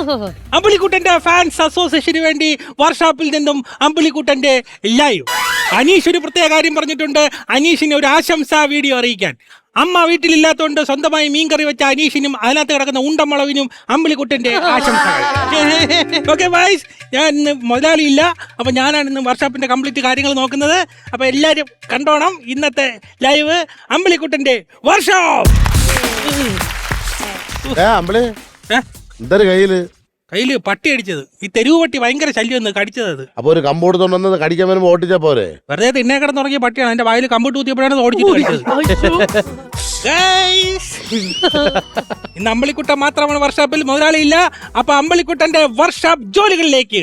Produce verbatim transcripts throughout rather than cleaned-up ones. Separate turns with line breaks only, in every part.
അമ്പിളിക്കുട്ടന്റെ fans അസോസിയേഷന് വേണ്ടി വർക്ക്ഷോപ്പിൽ നിന്നും അമ്പിളിക്കുട്ടന്റെ ലൈവ്. അനീഷ് ഒരു പ്രത്യേക കാര്യം പറഞ്ഞിട്ടുണ്ട്, അനീഷിന് ഒരു ആശംസാ വീഡിയോ അറിയിക്കാൻ. അമ്മ വീട്ടിലില്ലാത്തതുകൊണ്ട് സ്വന്തമായി മീൻകറി വെച്ച അനീഷിനും അതിനകത്ത് കിടക്കുന്ന ഉണ്ടമുളവിനും അമ്പിളിക്കുട്ടന്റെ ആശംസകൾ. ഓക്കെ ബൈസ്, ഞാൻ ഇന്ന് മുതലാളിയില്ല, അപ്പൊ ഞാനാണ് ഇന്ന് വർക്ക്ഷോപ്പിന്റെ കംപ്ലീറ്റ് കാര്യങ്ങൾ നോക്കുന്നത്. അപ്പൊ എല്ലാരും കണ്ടോണം ഇന്നത്തെ ലൈവ് അമ്പിളിക്കുട്ടന്റെ വർക്ക്ഷോപ്പ്.
എന്തൊരു കയ്യില്
കയ്യില് പട്ടി അടിച്ചത്, ഈ തെരുവ് പട്ടി ഭയങ്കര ശല്യം കടിച്ചത്. അത്
അപ്പൊ ഒരു കമ്പോട് തൊണ്ടെന്നത് കടിക്കാൻ വരുമ്പോ ഓട്ടിച്ചാ പോരെ?
വെറുതെ തിന്നേ കിടന്ന് തുടങ്ങിയ പട്ടിയാണ്, എന്റെ വായിൽ കമ്പിട്ട് ഊത്തിയപ്പോഴാണ് ഓടിച്ചിട്ട് കഴിച്ചത്. ഇന്ന് അമ്പിളിക്കുട്ടൻ മാത്രമാണ് വർക്ക്ഷോപ്പിൽ, മുതലാളിയില്ല. അപ്പൊ അമ്പിളിക്കുട്ടന്റെ വർക്ക്ഷോപ്പ് ജോലികളിലേക്ക്.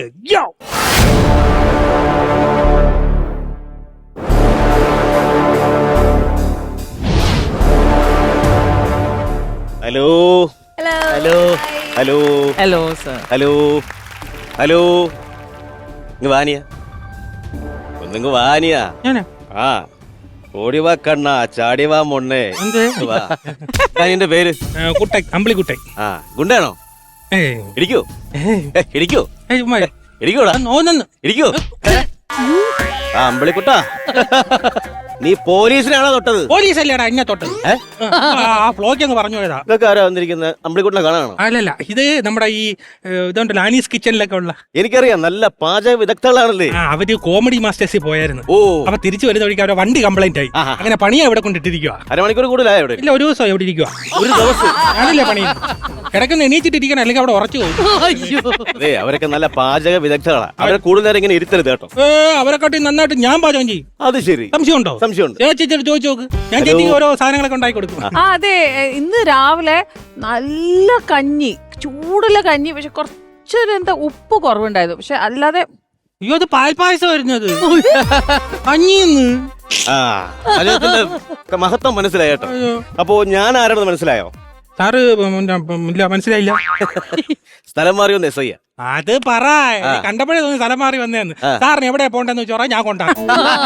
Hello hello hello
hello sir.
Hello hello ഇങ്ങ് വാനിയ ഒന്നിങ്ങ് വാനിയ. ആ ഓടിവാ കണ്ണ ചാടിവാ മൊണ്ണേ. എന്റെ പേര്
കുട്ടൻ, അമ്പിളിക്കുട്ടൻ.
ആ ഗുണ്ടാണോ? ഇടിക്കോ ഇടിക്കോ ഇടിക്കോടാ ഇടിക്കോ. ആ അമ്പിളിക്കുട്ടാ, നീ പോലീസിനാണോ തൊട്ടത്?
പോലീസല്ലേടാ എന്നെ തൊട്ടത്. ആ ഫ്ലോക്ക് അങ്ങ് പറഞ്ഞു പോയതാ.
ഇതൊക്കെ ആരാ വന്നിരിക്കുന്നത്? അമ്പിളിക്കുട്ടനെ കാണാണോ?
അല്ലല്ല, ഇത് നമ്മുടെ ഈ ഇതുണ്ടല്ലോ ആനീസ് കിച്ചണിലൊക്കെ ഉള്ള.
എനിക്കറിയാം, നല്ല പാചക വിദഗ്ധകളാണല്ലേ.
അവര് കോമഡി മാസ്റ്റേഴ്സിൽ പോയായിരുന്നു.
ഓ,
അപ്പൊ തിരിച്ചു വരുന്ന വഴിക്ക് അവരുടെ വണ്ടി കംപ്ലൈന്റ് ആയി. അങ്ങനെ പണിയാ ഇവിടെ കൊണ്ടിട്ടിരിക്കുക.
അരമണിക്കൂർ കൂടുതലായോ ഇവിടെ?
ഇല്ല, ഒരു ദിവസം എവിടെ ഇരിക്കുക.
ഒരു ദിവസം
ഞാനില്ലേ പണി കിടക്കുന്ന എണീച്ചിട്ടിരിക്കണം, അല്ലെങ്കിൽ അവിടെ ഉറച്ചു പോകും.
അതെ, അവരൊക്കെ നല്ല പാചക വിദഗ്ധകളാ. അവരെ കൂടുതൽ നേരം ഇങ്ങനെ ഇരുത്തരുത് കേട്ടോ.
ഏ അവരെക്കാട്ടി നന്നായിട്ട് ഞാൻ പാചകം ചെയ്യും.
അത് ശരി.
സംശയമുണ്ടോ?
സംശയമുണ്ട്.
ചേച്ചി ചോദിച്ചു നോക്ക്, ഞാൻ ചേച്ചിക്ക് ഓരോ സാധനങ്ങളൊക്കെ ഉണ്ടാക്കി കൊടുക്കും.
ആ അതെ, ഇന്ന് രാവിലെ നല്ല കഞ്ഞി, ചൂടുള്ള കഞ്ഞി. പക്ഷെ കുറച്ചൊരു എന്താ ഉപ്പ് കുറവുണ്ടായിരുന്നു. പക്ഷെ അല്ലാതെ
അയ്യോ, അത് പാൽപ്പായസം വരുന്നത് കഞ്ഞിന്ന്.
ആ അദ്ദേഹത്തിന്റെ മഹത്വം മനസ്സിലായി കേട്ടോ. അപ്പോ ഞാൻ ആരാണെന്ന് മനസ്സിലായോ?
സാറ് ഇല്ല, മനസ്സിലായില്ല.
സ്ഥലം മാറി വന്ന് എസ് ഐ.
അത് പറ, കണ്ടപ്പോഴേ തോന്നി സ്ഥലം മാറി വന്നേന്ന്. സാറിന് എവിടെ പോണ്ടെന്ന് വെച്ചോറാ, ഞാൻ കൊണ്ടാകും.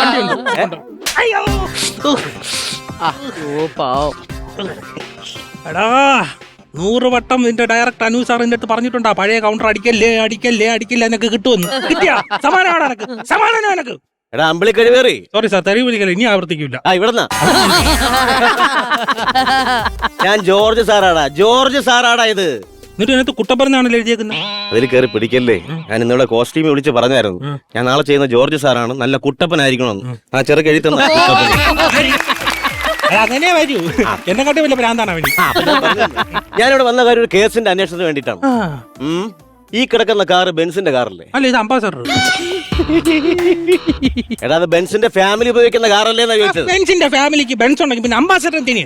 എടാ, നൂറ് വട്ടം നിന്റെ ഡയറക്ടർ അനു സാറിന്റെ അടുത്ത് പറഞ്ഞിട്ടുണ്ടാ പഴയ കൗണ്ടർ അടിക്കല്ലേ അടിക്കല്ലേ അടിക്കല്ലേ എന്നൊക്കെ കിട്ടുമെന്ന്. കിട്ടിയാ? സമാനമാണ് എനക്ക്, സമാധാനം എനക്ക്.
എടാ അമ്പിളി കഴിവേറി.
സോറി സാർ, തെറി വിളിക്കല്ലേ, ഇനി ആവർത്തിക്കില്ല.
ആ ഇവിടെന്നാ ഞാൻ ജോർജ് സാറാടാ, ജോർജ് സാറാടാ ഇത്.
എന്നിട്ട് ഇതിനകത്ത് കുട്ടപ്പറന്നാണല്ലോ എഴുതിയേക്കുന്നത്.
അതിൽ കയറി പിടിക്കല്ലേ. ഞാൻ ഇന്നിവിടെ കോസ്റ്റ്യൂം വിളിച്ച് പറഞ്ഞായിരുന്നു, ഞാൻ നാളെ ചെയ്യുന്ന ജോർജ് സാറാണ്, നല്ല കുട്ടപ്പനായിരിക്കണമെന്ന്. ആ ചെറുക്ക് എഴുതി തന്ന
അങ്ങനെ വരൂ, എന്നെ കാട്ടി വലിയ ഭ്രാന്താണ് അവന്.
ഞാനിവിടെ വന്ന കാര്യം ഒരു കേസിന്റെ അന്വേഷണത്തിന് വേണ്ടിയിട്ടാണ്. ഈ കിടക്കുന്ന കാറ് ബെൻസിന്റെ കാറല്ലേ?
അല്ല, ഇത് അംബാസഡർ.
എടാ, അത് ബെൻസിന്റെ ഫാമിലി ഉപയോഗിക്കുന്ന കാറല്ലേ എന്നാ ചോദിച്ചത്.
ബെൻസിന്റെ ഫാമിലിക്ക് ബെൻസ് ഉണ്ടെങ്കിൽ പിന്നെ അംബാസഡർ എന്തിന്?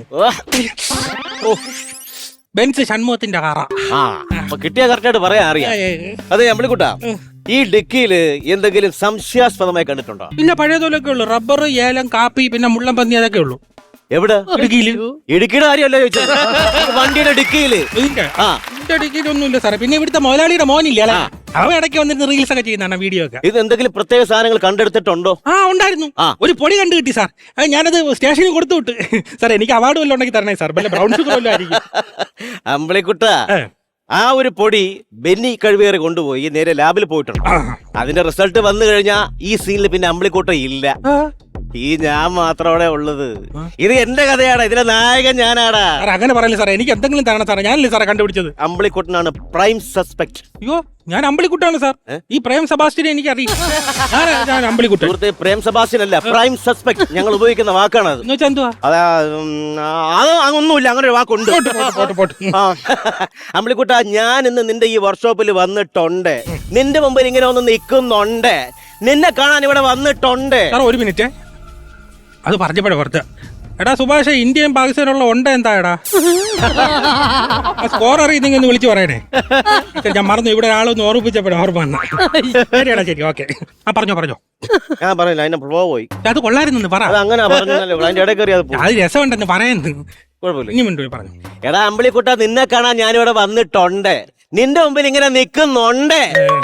ബെൻസ് ഷൺമുഖത്തിന്റെ കാറാ.
ആ അപ്പൊ കിട്ടിയ കറക്റ്റായിട്ട് പറയാൻ അറിയാം. അതെ അമ്പിളിക്കുട്ടാ, ഈ ഡിക്കിയില് എന്തെങ്കിലും സംശയാസ്പദമായി കണ്ടിട്ടുണ്ടോ?
പിന്നെ പഴയതുപോലൊക്കെ ഉള്ളു, റബ്ബർ, ഏലം, കാപ്പി, പിന്നെ മുള്ളം പന്നി, അതൊക്കെ ഉള്ളു.
എവിടെ?
ഇടുക്കിയില്.
ഇടുക്കിയുടെ കാര്യമല്ല ചോദിച്ചത്, വണ്ടിയുടെ ഡിക്കിയില്.
ഇതിന്റെ ഇതിന്റെ ഡിക്കിയിലൊന്നുമില്ല സാറേ. പിന്നെ ഇവിടുത്തെ മുതലാളിയുടെ മോനില്ലേ, അവൻ ഇടയ്ക്ക് വന്നിരുന്ന് റീൽസ് ഒക്കെ ചെയ്യുന്നതാണ്, വീഡിയോ ഒക്കെ.
ഇത് എന്തെങ്കിലും പ്രത്യേക സാധനങ്ങൾ കണ്ടെടുത്തിട്ടുണ്ടോ?
ആ ഉണ്ടായിരുന്നു, ഒരു പൊടി കണ്ടു കിട്ടി സാർ. ഞാനത് സ്റ്റേഷനിൽ കൊടുത്തു വിട്ട്. സാർ എനിക്ക് അവാർഡ് വല്ലതും ഉണ്ടെങ്കിൽ തരണേ സാർ, വല്ല ബ്രൗൺ ഷുഗർ വല്ലതും ആയിരിക്കും.
അമ്പിളിക്കുട്ട, ആ ഒരു പൊടി ബെന്നി കഴിവേറി കൊണ്ടുപോയി നേരെ ലാബിൽ പോയിട്ടുണ്ട്. അതിന്റെ റിസൾട്ട് വന്നു കഴിഞ്ഞാ ഈ സീനിൽ പിന്നെ അമ്പിളിക്കുട്ട ഇല്ല. ഈ ഞാൻ മാത്രമേ ഉള്ളത്. ഇത് എന്റെ കഥയാണ്, ഇതിലെ നായകൻ ഞാനാടാ.
അങ്ങനെ പറയില്ല സാറേ, എനിക്ക് എന്തെങ്കിലും തരണം സാറേ. ഞാനല്ലേ സാറേ കണ്ടുപിടിച്ചത്.
അമ്പിളിക്കുട്ടനാണ് പ്രൈം സസ്പെക്ട്.
അയ്യോ, ഞാൻ അമ്പിളിക്കുട്ടാണ് സാർ. ഈ പ്രേം സെബാസ്റ്റ്യനെ എനിക്ക് അറിയാം. ഞാൻ അമ്പിളിക്കുട്ടൻ.
സുഹൃത്തെ, പ്രേം സെബാസ്റ്റ്യൻ അല്ല, പ്രൈം സസ്പെക്ട് ഞങ്ങൾ ഉപയോഗിക്കുന്ന വാക്കാണ് അത്.
എന്ന് വെച്ചാൽ എന്തുവാ?
അതാ, അത് ഒന്നുമില്ല, അങ്ങനെ ഒരു വാക്കുണ്ട്. അമ്പിളിക്കുട്ട, ഞാൻ ഇന്ന് നിന്റെ ഈ വർക്ക്ഷോപ്പിൽ വന്നിട്ടുണ്ട്. നിന്റെ മുമ്പിൽ ഇങ്ങനെ ഒന്ന് നിൽക്കുന്നുണ്ട്. നിന്നെ കാണാൻ ഇവിടെ വന്നിട്ടുണ്ട്.
ഒരു മിനിറ്റ്, അത് പറഞ്ഞപ്പോഴേ പുറത്ത്. എടാ സുഭാഷ്, ഇന്ത്യയും പാകിസ്ഥാനുള്ള ഉണ്ട് എന്താ എടാ? സ്കോർ അറിയുന്നെങ്കിൽ ഒന്ന് വിളിച്ചു പറയണേ. ഞാൻ മറന്നു, ഇവിടെ ആളൊന്ന് ഓർമ്മിപ്പിച്ചപ്പോഴേ ഓർമ്മ വന്ന. ശരിയാടാ, ശരി, ഓക്കെ. ആ പറഞ്ഞോ പറഞ്ഞോ.
ഞാൻ പറഞ്ഞില്ല, അതിന്റെ ഫ്ലോ പോയി.
അത് കൊള്ളായിരുന്നു, പറ.
അങ്ങനെ പറഞ്ഞല്ലോ, അതിന്റെ ഇടയിൽ കയറി അത്
അത് രസമുണ്ടെന്ന് പറയുന്നത്.
കുഴപ്പമില്ല,
ഇനി മിണ്ടു പറഞ്ഞു.
എടാ അമ്പിളിക്കുട്ട, നിന്നെ കാണാൻ ഞാനിവിടെ വന്നിട്ടുണ്ട്. നിന്റെ മുമ്പിൽ ഇങ്ങനെ നിൽക്കുന്നുണ്ട്.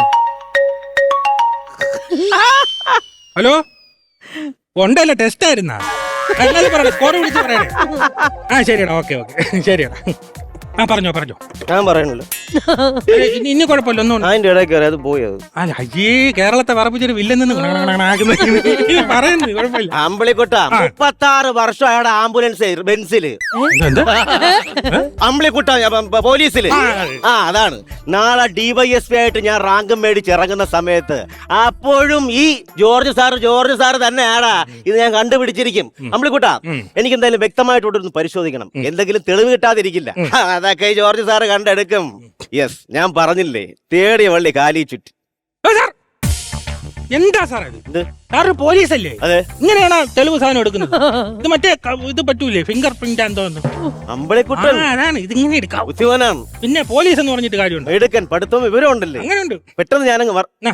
ഹലോ, ഉണ്ടല്ലോ, ടെസ്റ്റ് ആയിരുന്നാ? സ്കോർ വിളിച്ച് പറയണേ. ആ ശരിയടാ, ഓക്കെ ഓക്കെ, ശരിയടാ. ആ പറഞ്ഞോ പറഞ്ഞോ.
ഞാൻ പറയണല്ലോ.
ഏ, ഇനി ഇനി കുഴപ്പമില്ല ഒന്നും
അതിന്റെ ഇടയിൽ കയറി അത് പോയത്.
അല്ല അയ്യേ കേരളത്തെ വറപ്പിച്ചൊരു വില്ലെന്ന് പറയുന്നു കുഴപ്പമില്ല.
അമ്പിളിക്കുട്ട മുപ്പത്തി ആറ് വർഷം അയാളുടെ ആംബുലൻസ് ബെൻസില്.
എന്താ?
അമ്പിളിക്കുട്ട പോലീസില്. ആ അതാണ്. നാളെ ഡിവൈഎസ്പി ആയിട്ട് ഞാൻ റാങ്കം മേടിച്ച് ഇറങ്ങുന്ന സമയത്ത് അപ്പോഴും ഈ ജോർജ് സാറ് ജോർജ് സാറ് തന്നെയാടാ ഇത് ഞാൻ കണ്ടുപിടിച്ചിരിക്കും. അമ്പിളിക്കുട്ട എനിക്ക് എന്തായാലും വ്യക്തമായിട്ടൊന്ന് പരിശോധിക്കണം. എന്തെങ്കിലും തെളിവ് കിട്ടാതിരിക്കില്ല. അതൊക്കെ ഈ ജോർജ് സാറ് കണ്ടെടുക്കും. യെസ്, ഞാൻ പറഞ്ഞില്ലേ തേടിയ വള്ളി കാലി ചുറ്റി.
ഏ, സാർ, എന്താ സാർ ഇത്?
ഇത്
സാറ് പോലീസല്ലേ?
അതെ.
ഇങ്ങനെയാണ് തെളിവ് സാധനം എടുക്കുന്നത്? ഇത് മറ്റേ ക- ഇത് പറ്റൂലേ, ഫിംഗർ പ്രിന്റ് ആണെന്ന് തോന്നുന്നു.
അമ്പിളിക്കുട്ടൻ
ആ, അതാണ് ഇതിങ്ങനെ എടുക്കാം.
ബുദ്ധിമാനാണ്.
പിന്നെ പോലീസ് എന്ന് പറഞ്ഞിട്ട് കാര്യമുണ്ട്?
എടുക്കൻ പഠിത്തവും വിവരം ഉണ്ടല്ലേ.
അങ്ങനെയുണ്ട്.
പെട്ടെന്ന് ഞാനങ്ങ് വർ-
നാ.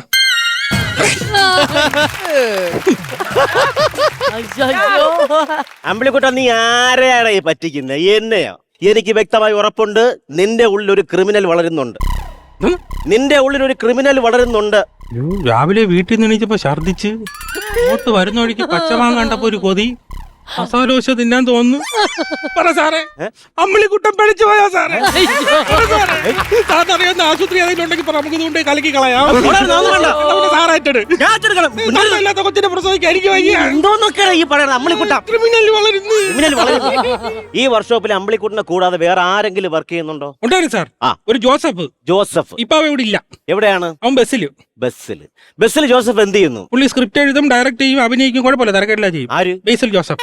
അയ്യോ.
അമ്പിളിക്കുട്ട നീ ആരെയാണ് ഈ പറ്റിക്കുന്നത്? എന്നെയോ? എനിക്ക് വ്യക്തമായി ഉറപ്പുണ്ട് നിന്റെ ഉള്ളിൽ ഒരു ക്രിമിനൽ വളരുന്നുണ്ട്.
ഉം.
നിന്റെ ഉള്ളിൽ ഒരു ക്രിമിനൽ വളരുന്നുണ്ട്.
അയ്യോ, രാവിലെ വീട്ടിൽ നിന്ന് എണീച്ചപ്പോ ഛർദിച്ച് ഇങ്ങോട്ട് വരുന്ന വഴിക്ക് പച്ചമാങ്ങ കണ്ടപ്പോ ഒരു കൊതി, മസാലോശ തിന്നാൻ തോന്നുന്നു. പറ സാറേ, അമ്മിളിക്കുട്ടൻ പിടിച്ചു പോയാ സാറേ? സാറിനറിയാവുന്ന ആശുപത്രി ഏതെങ്കിലും ഉണ്ടെങ്കിൽ പറ, നമുക്ക് ഇതുകൊണ്ട് കലക്കി കളയാം. സാറായിട്ടത് ഇല്ലാത്ത കൊച്ചിനെ പ്രസവിക്കാൻ എനിക്ക് വയ്യ.
എന്തോന്നൊക്കെയാണ് ഈ പറയുന്നത്? അമ്പിളിക്കുട്ട
ക്രിമിനൽ വളരുന്നു.
ക്രിമിനൽ വളരുന്നു. ഈ വർക്ക്ഷോപ്പിൽ അമ്പിളിക്കുട്ടനെ കൂടാതെ വേറെ ആരെങ്കിലും വർക്ക് ചെയ്യുന്നുണ്ടോ?
ഉണ്ടായിരുന്നു സാർ.
ആ.
ഒരു ജോസഫ്.
ജോസഫ്
ഇപ്പൊ അവ ഇവിടെ ഇല്ല.
എവിടെയാണ്?
അവൻ ബസ്സില്.
ബസ്സിൽ. ബസ്സിൽ ജോസഫ് എന്ത് ചെയ്യുന്നു?
പുള്ളി സ്ക്രിപ്റ്റ് എഴുതും, ഡയറക്ട് ചെയ്യും, അഭിനയിക്കും. കുഴപ്പമില്ല, തിരക്കെല്ലാം ചെയ്യും.
ആര്?
ബേസിൽ ജോസഫ്.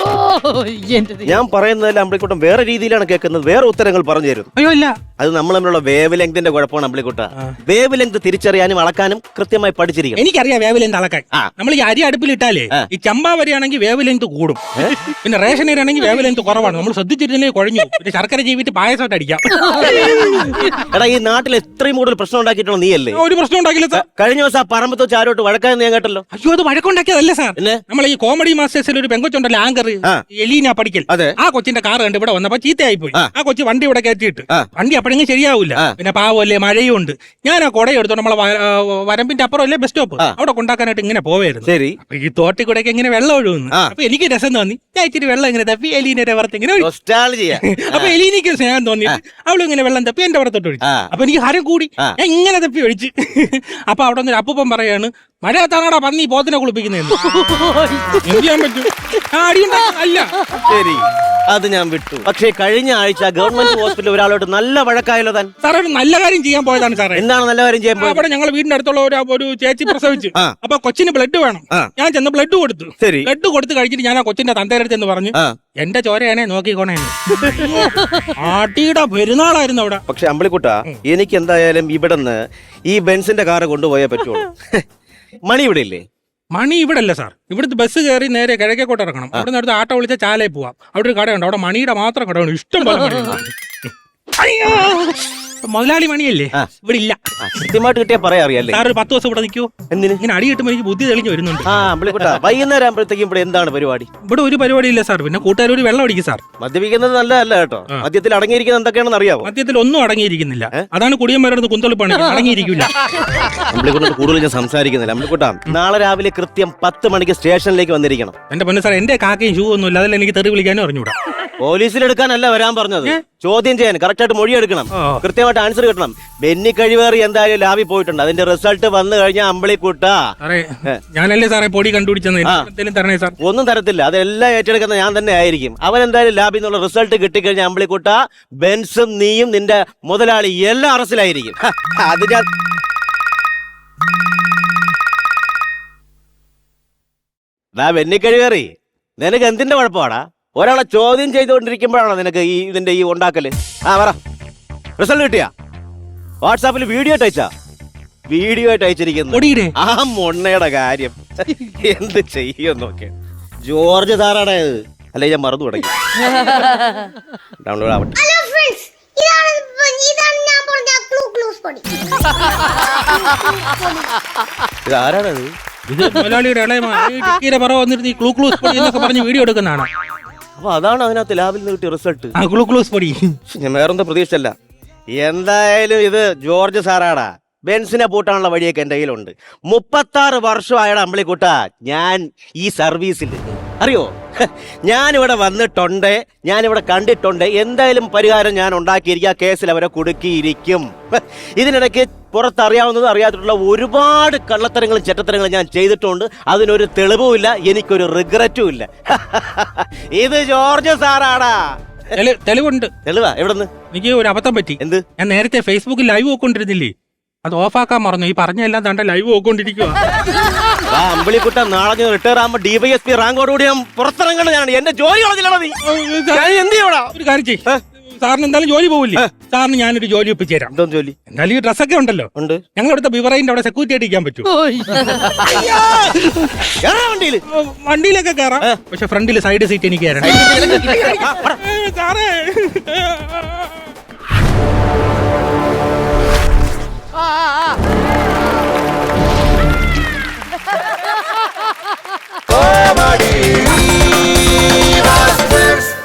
ഞാൻ പറയുന്നതിൽ അമ്പിളിക്കുട്ടൻ വേറെ രീതിയിലാണ് കേൾക്കുന്നത്. വേറെ ഉത്തരങ്ങൾ പറഞ്ഞു തരുന്നു.
അയ്യോ ഇല്ല.
അത് നമ്മൾ തമ്മിലുള്ള വേവ് ലെങ്തിന്റെ കുഴപ്പമാണ് അമ്പിളിക്കുട്ട. വേവ് ലെങ്ത് തിരിച്ചറിയാനും അളക്കാനും കൃത്യമായി പഠിച്ചിരിക്കണം.
എനിക്കറിയാം വേവ് ലെങ്ത് അളക്കാൻ.
ആ.
നമ്മൾ ഈ അരി അടുപ്പിലിട്ടാലേ
ആ.
ഈ ചമ്പാ വരിയാണെങ്കിൽ വേവ് ലെങ്ത് കൂടും. പിന്നെ റേഷൻ അരി ആണെങ്കിൽ വേവ് ലെങ്ത് കുറവാണ്. നമ്മൾ ശ്രദ്ധിച്ചിരുന്നേ കുഴഞ്ഞു. പിന്നെ ശർക്കര ജീവിട്ട് പായസമായിട്ട് അടിക്കാം.
എടാ ഈ നാട്ടിൽ എത്രയും കൂടുതൽ പ്രശ്നം ഉണ്ടാക്കിയിട്ടുള്ള നീയല്ലേ?
ഒരു പ്രശ്നം ഉണ്ടാക്കില്ല സാർ.
കഴിഞ്ഞ ദിവസം ആ പറമ്പത്ത് വെച്ച് ആരോട്ട് വഴക്കാന്ന് ഞാൻ കേട്ടല്ലോ.
അയ്യോ, അത് വഴക്കുണ്ടാക്കിയതല്ല സാർ.
പിന്നെ?
നമ്മൾ ഈ കോമഡി മാസ്റ്റേഴ്സിൽ ഒരു പെങ്കൊച്ചുണ്ടല്ലോ, ആങ്കർ
ആ.
എലീന പഠിക്കൽ.
അതെ.
ആ കൊച്ചിന്റെ കാർ കണ്ട് ഇവിടെ വന്നപ്പോ ചീത്തയായി പോയി.
ആ.
ആ കൊച്ചി വണ്ടി ഇവിടെ കയറ്റിയിട്ട്
ആ.
വണ്ടി അപ്പോഴെങ്കിലും ശരിയാവൂല.
ആ.
പിന്നെ പാവല്ലേ, മഴയും ഉണ്ട്. ഞാൻ ആ കുട എടുത്തോ നമ്മളെ വ- ആ, വരമ്പിന്റെ അപ്പുറം അല്ലേ ബസ് സ്റ്റോപ്പ്,
ആ.
അവിടെ കൊണ്ടാക്കാനായിട്ട് ഇങ്ങനെ പോവായിരുന്നു.
ശരി.
അപ്പൊ ഈ തോട്ടി കൂടെയൊക്കെ ഇങ്ങനെ വെള്ളം ഒഴുകുന്നു.
ആ.
അപ്പൊ എനിക്ക് രസം തോന്നി. ഞാൻ ഇച്ചിരി വെള്ളം ഇങ്ങനെ തപ്പി എലീനയുടെ പുറത്ത് ഇങ്ങനെ ഒഴിച്ചു.
നൊസ്റ്റാൾജിയ.
അപ്പൊ എലീനിക്ക് സ്നേഹം തോന്നിയിട്ട് അവളും ഇങ്ങനെ വെള്ളം തപ്പി എന്റെ പുറത്തോട്ട് ഒഴിച്ചു.
ആ.
അപ്പൊ എനിക്ക് ഹരം കൂടി.
ആ.
ഞാൻ ഇങ്ങനെ തപ്പി ഒഴിച്ച്. അപ്പൊ അവിടെ നിന്ന് അപ്പൂപ്പൻ പറയാണ്, മഴ താനാടാ പന്നി പോത്തിനെ കുളിപ്പിക്കുന്നതെന്ന്. എന്ത് ചെയ്യാൻ പറ്റും? ആ അടിയുണ്ടാ- അല്ല
ശരി, അത് ഞാൻ വിട്ടു. പക്ഷേ കഴിഞ്ഞ ആഴ്ച ഗവൺമെന്റ് ഹോസ്പിറ്റലിൽ ഒരാളോട് നല്ല വഴക്കായല്ലോ താൻ.
സാറേ, ഒരു നല്ല കാര്യം ചെയ്യാൻ പോയതാണ് സാറേ.
എന്താണ് നല്ല കാര്യം ചെയ്യാൻ പോയത്?
അവിടെ ഞങ്ങൾ വീടിന്റെ അടുത്തുള്ള ഒരു ഒരു ചേച്ചി പ്രസവിച്ചു.
ആ.
അപ്പൊ കൊച്ചിന് ബ്ലഡ് വേണം.
ആ.
ഞാൻ ചെന്ന് ബ്ലഡ് കൊടുത്തു.
ശരി.
ബ്ലഡ് കൊടുത്ത് കഴിച്ചിട്ട് ഞാൻ ആ കൊച്ചിന്റെ തന്തേരടുത്ത് എന്ന് പറഞ്ഞു,
ആ.
എന്റെ ചോരയാണേ നോക്കിക്കോണേ. ആട്ടിയുടെ പെരുന്നാളായിരുന്നു അവിടെ.
പക്ഷെ അമ്പിളിക്കുട്ട, എനിക്ക് എന്തായാലും ഇവിടുന്ന് ഈ ബെൻസിന്റെ കാറ് കൊണ്ടുപോയേ പറ്റുള്ളൂ. മണി ഇവിടെ ഇല്ലേ?
മണി ഇവിടെ അല്ല സാർ. ഇവിടുത്തെ ബസ് കയറി നേരെ കിഴക്കേക്കോട്ട് ഇറങ്ങണം. അവിടെ നിന്ന് അടുത്ത് ആട്ടോ വിളിച്ച ചാലയിൽ പോവാം. അവിടെ ഒരു കടയുണ്ട്. അവിടെ മണിയുടെ മാത്രം കടയുണ്ട്. ഇഷ്ടം പോലെ മണിയുണ്ട്. അയ്യോ, മുതലാളി മണിയല്ലേ?
ആ.
ഇവിടെ ഇല്ല.
ആ, കൃത്യമായിട്ട് കിട്ടിയാ പറയാ അറിയാല്ലേ?
സാർ ഒരു പത്ത് ദിവസം ഇവിടെ നിൽക്കുവോ?
എന്തിന്?
ഇങ്ങനെ അടി കിട്ടുമ്പോൾ എനിക്ക് ബുദ്ധി തെളിഞ്ഞു വരുന്നുണ്ട്.
ആ അമ്പിളിക്കുട്ട, വൈകുന്നേരം ആകുമ്പോഴത്തേക്കും ഇവിടെ എന്താണ് പരിപാടി?
ഇവിടെ ഒരു പരിപാടി ഇല്ല സാർ. പിന്നെ കൂട്ടുകാർ വെള്ളം അടിക്കും സാർ.
മദ്യപിക്കുന്നത് നല്ലതല്ല കേട്ടോ. മദ്യത്തിൽ അടങ്ങിയിരിക്കുന്നത് എന്തൊക്കെയാണെന്ന് അറിയാവോ?
മദ്യത്തിൽ ഒന്നും അടങ്ങിയിരിക്കുന്നില്ല. അതാണ് കുടിയന്മാരുടെ കുന്തളിപ്പാണ്. അടങ്ങിയിരിക്കില്ല.
അമ്പിളിക്കുട്ട കൂടുതൽ ഞാൻ സംസാരിക്കുന്നില്ല. അമ്പിളിക്കുട്ട, നാളെ രാവിലെ കൃത്യം പത്ത് മണിക്ക് സ്റ്റേഷനിലേക്ക് വന്നിരിക്കണം.
എന്റെ പൊന്നു സാർ, എന്റെ കാക്കയും ഷൂ ഒന്നും ഇല്ല. അതിൽ എനിക്ക് തെറി വിളിക്കാനും അറിഞ്ഞൂടാ.
പോലീസിലെടുക്കാനല്ല വരാൻ പറഞ്ഞത്, ചോദ്യം ചെയ്യാൻ. കറക്റ്റായിട്ട് മൊഴി എടുക്കണം,
ഓ.
കൃത്യമായിട്ട് ആൻസർ കിട്ടണം. ബെന്നി കഴിവേറി എന്തായാലും ലാബിൽ പോയിട്ടുണ്ട്. അതിന്റെ റിസൾട്ട് വന്നു കഴിഞ്ഞാൽ അമ്പിളിക്കുട്ട
സാറേ, ഞാനല്ലേ സാറേ പൊടി കണ്ടുപിടിച്ചെന്ന്. എന്തെങ്കിലും തരണേ സാർ.
ഒന്നും തരത്തില്ല. അതെല്ലാം ഏറ്റെടുക്കുന്ന ഞാൻ തന്നെ ആയിരിക്കും. അവൻ എന്തായാലും ലാബിൽ നിന്നുള്ള റിസൾട്ട് കിട്ടിക്കഴിഞ്ഞാൽ അമ്പിളിക്കുട്ട, ബെൻസും നീയും നിന്റെ മുതലാളി എല്ലാം അറസ്റ്റിലായിരിക്കും. ഹ, അത് ഞാൻ ദാ ബെന്നി കഴിവേറി, നിനക്ക് എന്തിന്റെ കുഴപ്പമാടാ? ഒരാളെ ചോദ്യം ചെയ്തുകൊണ്ടിരിക്കുമ്പോഴാണോ നിനക്ക് ഈ ഇതിന്റെ ഈ ഉണ്ടാക്കല്? ആ പറ, റിസൾട്ട് കിട്ടിയാ? വാട്സാപ്പിൽ വീഡിയോ ആയിട്ട് അയച്ചാ? വീഡിയോ ആയിട്ട് അയച്ചിരിക്കുന്നു.
പൊടിയുടെ
ആ മൊണ്ണയുടെ കാര്യം എന്ത് ചെയ്യും നോക്കെ. ജോർജ് സാറാണ് ഇത്. അല്ലെ ഞാൻ മറന്നു തുടങ്ങി. ഡൗൺലോഡ് ആവട്ടെ.
ഹലോ ഫ്രണ്ട്സ്, ഇതാണ് ഇതാണ് ഞാൻ പറഞ്ഞ ക്ലൂ ക്ലൂസ് പൊടി.
ഇത് ആരാണത്?
ഇത് മുതലാളിയുടെ ഇളയ പറ വന്നിരുന്ന് ഈ ക്ലൂ ക്ലൂസ് പൊടി എന്നൊക്കെ പറഞ്ഞ് വീഡിയോ എടുക്കുന്നതാണ്.
അപ്പൊ അതാണ് അതിനകത്ത് ലാബിൽ നിന്ന് കിട്ടിയ റിസൾട്ട്.
ആ ക്ലൂ ക്ലൂസ് പൊടി.
ഞാൻ വേറെന്താ പ്രതീക്ഷല്ല. എന്തായാലും ഇത് ജോർജ് സാറാടാ. ബെൻസിനെ പൂട്ടാനുള്ള വഴിയൊക്കെ എന്റെ കയ്യിലുണ്ട്. മുപ്പത്താറ് വർഷമായടാ അമ്പിളിക്കുട്ട ഞാൻ ഈ സർവീസിൽ. അറിയോ? ഞാനിവിടെ വന്നിട്ടുണ്ട്, ഞാനിവിടെ കണ്ടിട്ടുണ്ട്. എന്തായാലും പരിഹാരം ഞാൻ ഉണ്ടാക്കിയിരിക്കും. ആ കേസിൽ അവരെ കുടുക്കിയിരിക്കും. ഇതിനിടയ്ക്ക് പുറത്തറിയാവുന്നതും അറിയാത്തിട്ടുള്ള ഒരുപാട് കള്ളത്തരങ്ങളും ചെറ്റത്തരങ്ങളും ഞാൻ ചെയ്തിട്ടുണ്ട്. അതിനൊരു തെളിവുമില്ല, എനിക്കൊരു റിഗ്രറ്റും ഇല്ല. ഇത് ജോർജ് സാറാടാ.
തെളി- തെളിവുണ്ട്.
തെളിവാ? എവിടെന്ന്?
എനിക്ക് ഒരു അബദ്ധം പറ്റി.
എന്ത്?
ഞാൻ നേരത്തെ ഫേസ്ബുക്കിൽ ലൈവ് പോയിക്കൊണ്ടിരുന്നില്ലേ, അത് ഓഫാക്കാൻ മറന്നു. ഈ പറഞ്ഞ എല്ലാം തണ്ട ലൈവ് പോയിക്കൊണ്ടിരിക്കുക.
ആ അമ്പിളിക്കുട്ട നാളെ റിട്ടയർ ആകുമ്പോ ഡി വൈ എസ് പി റാങ്കോടുകൂടി ഞാൻ പുറത്തിറങ്ങണം. ഞാൻ എന്റെ ജോലി കളഞ്ഞില്ലടാ നീ. ഞാൻ എന്ത് ചെയ്യണോ?
ഒരു കാര്യം ചെയ്യ്, സാറിന് എന്തായാലും ജോലി പോവില്ലേ, സാറിന് ഞാനൊരു ജോലി ഒപ്പിച്ചു തരാം.
എന്തോ ജോലി?
എന്തായാലും ഈ ഡ്രസ്സൊക്കെ ഉണ്ടല്ലോ,
ഉണ്ട്.
ഞങ്ങൾ ഇവിടുത്തെ ബിവറൈൻ്റെ അവിടെ സെക്യൂരിറ്റി ആയിട്ട് ഇരിക്കാൻ പറ്റും.
കേറാ വണ്ടിയില്.
വണ്ടിയിലൊക്കെ കയറാം, പക്ഷെ ഫ്രണ്ടിൽ സൈഡ് സീറ്റ് എനിക്ക് തരണം. ഏ, സാറേ
ആ, ആ, ആ.